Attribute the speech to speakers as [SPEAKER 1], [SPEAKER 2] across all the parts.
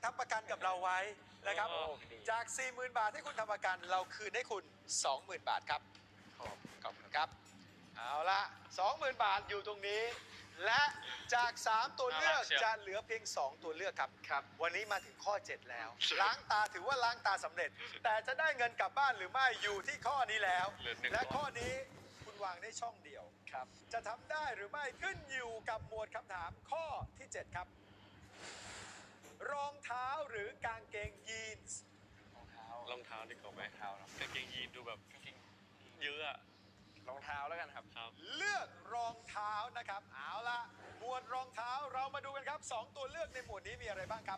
[SPEAKER 1] ทำประกันกับเราไว้นะครับจาก 40,000 บาทที่คุณทำประกันเราคืนให้คุณ 20,000 บาทครับขอบคุณครับเอาละ 20,000 บาทอยู่ตรงนี้ และจาก 3 ตัวเลือกจะเหลือเพียง 2 ตัวเลือกครับวันนี้มาถึงข้อ 7 แล้ว ล้างตาถือว่าล้างตาสำเร็จ แต่จะได้เงินกลับบ้านหรือไม่อยู่ที่ข้อนี้แล้ว และข้อนี้คุณวางได้ช่องเดียวครับจะทำได้หรือไม่ขึ้นอยู่กับหมวดคำถามข้อที่ 7 ครับ รองเท้าหรือกางเกงยีนส์
[SPEAKER 2] รองเท้าดีกว่าไหมกางเกงยีนดูแบบเยอะอะรองเท้าแล้วกันครับ
[SPEAKER 1] เลือกรองเท้านะครับเอาละหมวดรองเท้าเรามาดูกันครับ 2 ตัวเลือกในหมวดนี้มีอะไรบ้างครับ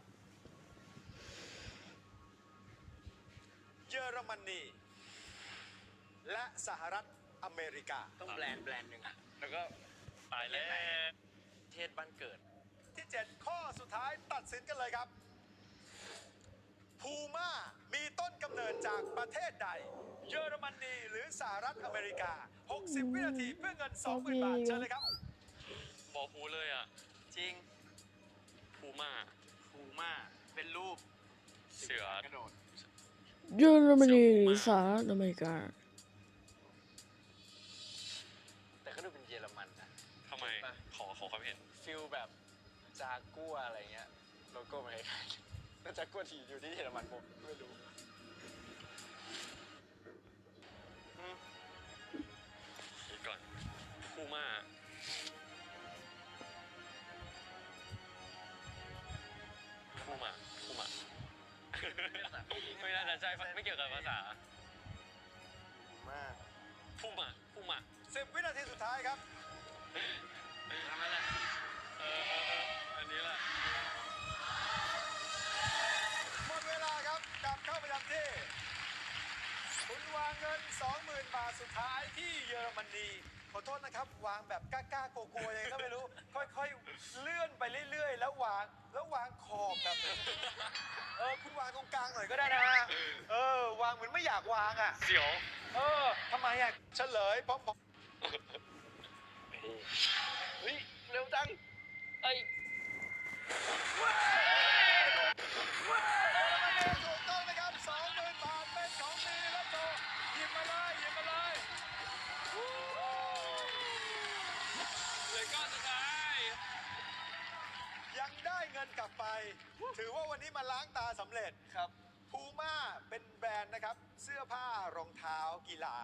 [SPEAKER 1] เยอรมนีและสหรัฐอเมริกา
[SPEAKER 3] ต้องแบรนด์หนึ่งอะ
[SPEAKER 2] แล้วก็ตายแล้ว
[SPEAKER 3] เทศบ้านเกิด
[SPEAKER 1] ที่ 7 ข้อสุดท้ายตัดสินกันเลยครับพูม่ามีต้นกำเนิดจากประเทศใด เยอรมนีหรือสหรัฐอเมริกา 60 วินาทีเพื่อเงิน 20,000 บาทเชิญเลยครับ
[SPEAKER 2] บอกพูเลยอ่ะ
[SPEAKER 3] จริง
[SPEAKER 2] พูม่า
[SPEAKER 3] เป็นรูป
[SPEAKER 2] เสือกระโดด
[SPEAKER 4] เยอรมนีสหรัฐอเมริกา
[SPEAKER 3] แต่ก็ดูเป็นเยอรมันนะ
[SPEAKER 2] ทำไมขอความเห็น
[SPEAKER 3] ฟิลแบบจากัวอะไรเงี้ยโลโก้มันคล้ายๆแล้วจากัวที่อยู่ที่เยอรมันผมไม่รู้
[SPEAKER 2] คิดก่อนพูม่าไม่น่าจะใช่ไม่เกี่ยวกับภาษาพูม่า
[SPEAKER 1] 10 วินาทีสุดท้ายครับ
[SPEAKER 2] ทำอะไรอันนี้แหละ
[SPEAKER 1] หมดเวลาครับกลับเข้าประจำที่คุณวางเงิน 20,000 บาทสุดท้ายที่เยอรมนีขอโทษนะครับวางแบบกล้าๆโกลัวๆยังไงก็ไม่รู้ค่อยๆเลื่อนไปเรื่อยๆแล้ววางขอบแบบคุณวางตรงกลางหน่อยก็ได้นะวางเหมือนไม่อยากวางอ่ะ
[SPEAKER 2] เสียว
[SPEAKER 1] ทำไมอ่ะเฉลยพร้อม
[SPEAKER 3] เฮ้ยเร็วจัง
[SPEAKER 1] ถูกต้องนะครับ 20,000 บาทเป็นของดีและโจหยิบมาเลย
[SPEAKER 2] เลยก้อนสุดท้าย
[SPEAKER 1] ยังได้เงินกลับไป ถือว่าวันนี้มาล้างตาสำเร็จ
[SPEAKER 3] ครับ
[SPEAKER 1] พูม่าเป็นแบรนด์นะครับเสื้อผ้ารองเท้ากีฬา